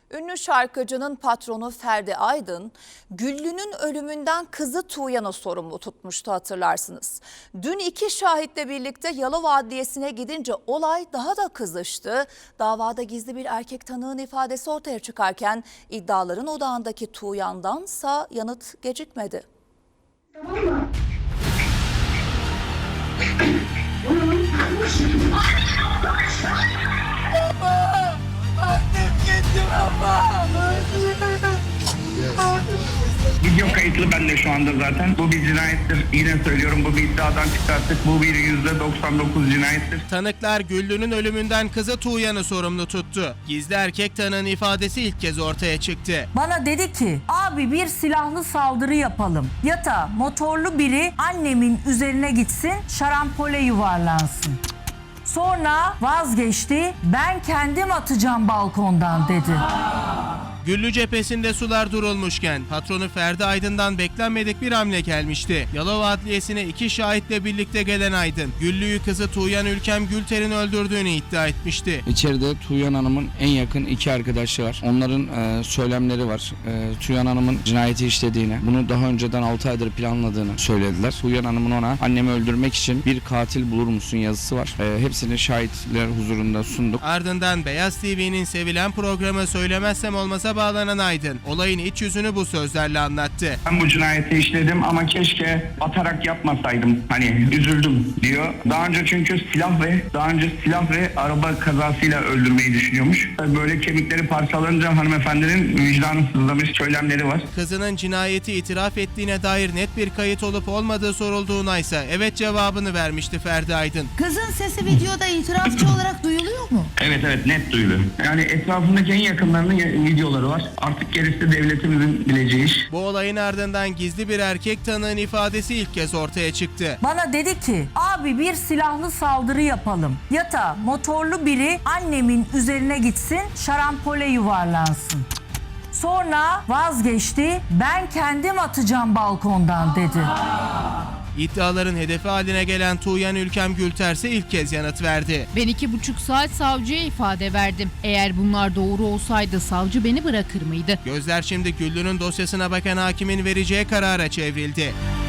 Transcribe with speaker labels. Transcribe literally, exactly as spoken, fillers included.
Speaker 1: Ünlü şarkıcının patronu Ferdi Aydın, Güllü'nün ölümünden kızı Tuğyan'ı sorumlu tutmuştu, hatırlarsınız. Dün iki şahitle birlikte Yalova Adliyesi'ne gidince olay daha da kızıştı. Davada gizli bir erkek tanığın ifadesi ortaya çıkarken iddiaların odağındaki Tuğyan'dansa yanıt gecikmedi.
Speaker 2: Tamam mı?
Speaker 3: Baba! Annem gitti baba!
Speaker 4: Video kayıtlı bende şu anda zaten. Bu bir cinayettir. Yine söylüyorum, bu bir iddiadan çıkarttık. Bu bir yüzde doksan dokuz cinayettir.
Speaker 5: Tanıklar Güllü'nün ölümünden kızı Tuğyan'ı sorumlu tuttu. Gizli erkek tanığın ifadesi ilk kez ortaya çıktı.
Speaker 6: Bana dedi ki abi bir silahlı saldırı yapalım. Yata motorlu biri annemin üzerine gitsin, şarampole yuvarlansın. Sonra vazgeçti, ben kendim atacağım balkondan dedi.
Speaker 5: Güllü cephesinde sular durulmuşken patronu Ferdi Aydın'dan beklenmedik bir hamle gelmişti. Yalova Adliyesi'ne iki şahitle birlikte gelen Aydın, Güllü'yü kızı Tuğyan Ülkem Gülter'in öldürdüğünü iddia etmişti.
Speaker 7: İçeride Tuğyan Hanım'ın en yakın iki arkadaşı var. Onların e, söylemleri var. E, Tuğyan Hanım'ın cinayeti işlediğini, bunu daha önceden altı aydır planladığını söylediler. Tuğyan Hanım'ın ona annemi öldürmek için bir katil bulur musun yazısı var. E, hepsini şahitler huzurunda sunduk.
Speaker 5: Ardından Beyaz T V'nin sevilen programı Söylemezsem Olmaz'a bağlanan Aydın, olayın iç yüzünü bu sözlerle anlattı.
Speaker 4: Ben bu cinayeti işledim ama keşke atarak yapmasaydım. Hani üzüldüm diyor. Daha önce çünkü silah ve daha önce silah ve araba kazasıyla öldürmeyi düşünüyormuş. Böyle kemikleri parçalanınca hanımefendinin vicdanı sızlamış söylemleri var.
Speaker 5: Kızının cinayeti itiraf ettiğine dair net bir kayıt olup olmadığı sorulduğuna ise evet cevabını vermişti Ferdi Aydın.
Speaker 8: Kızın sesi videoda itirafçı olarak duyuluyor mu?
Speaker 4: Evet evet net duyuluyor. Yani etrafındaki en yakınlarının videoları var. Artık gerisi devletimizin bileceği iş.
Speaker 5: Bu olayın ardından gizli bir erkek tanığın ifadesi ilk kez ortaya çıktı.
Speaker 6: Bana dedi ki abi bir silahlı saldırı yapalım. Yata motorlu biri annemin üzerine gitsin, şarampole yuvarlansın. Sonra vazgeçti, ben kendim atacağım balkondan dedi.
Speaker 5: İddiaların hedefi haline gelen Tuğyan Ülkem Gülter ise ilk kez yanıt verdi.
Speaker 9: Ben iki buçuk saat savcıya ifade verdim. Eğer bunlar doğru olsaydı savcı beni bırakır mıydı?
Speaker 5: Gözler şimdi Güllü'nün dosyasına bakan hakimin vereceği karara çevrildi.